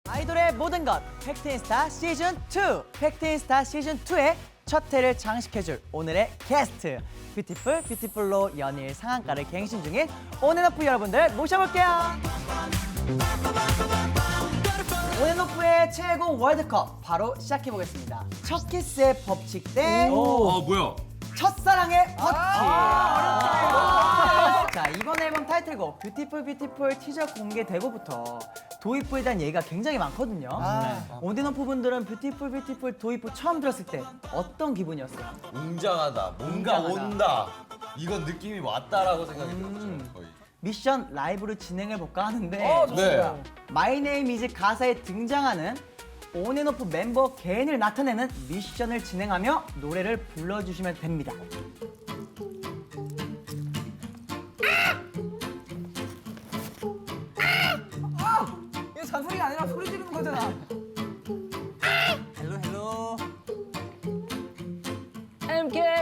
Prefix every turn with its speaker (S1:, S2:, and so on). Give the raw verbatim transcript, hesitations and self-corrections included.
S1: 아이돌의 모든 것 팩트인스타 시즌 투. 팩트인스타 시즌 투의 첫 회를 장식해줄 오늘의 게스트 뷰티풀 뷰티풀로 연일 상한가를 갱신 중인 온앤오프 여러분들 모셔볼게요. 온앤오프의 최고 월드컵 바로 시작해보겠습니다. 첫 키스의 법칙 대
S2: 아 뭐야?
S1: 첫사랑의 버킷. 자, 이번 앨범 타이틀곡 뷰티풀 뷰티풀 티저 공개되고부터 도입부에 대한 얘기가 굉장히 많거든요. 네. 온앤오프 분들은 뷰티풀 뷰티풀 도입부 처음 들었을 때 어떤 기분이었어요?
S3: 웅장하다, 뭔가
S1: 웅장하다.
S3: 온다. 이건 느낌이 왔다라고 생각이 들었죠,
S1: 음.
S3: 거의.
S1: 미션 라이브로 진행해 볼까 하는데
S3: 어, 좋습니다.
S1: 네. 마이 네임 이즈 가사에 등장하는 온앤오프 멤버 개인을 나타내는 미션을 진행하며 노래를 불러주시면 됩니다.
S4: 이거 잔소리가 아니라 소리 지르는 거잖아.
S1: 헬로 헬로.
S4: I'm getting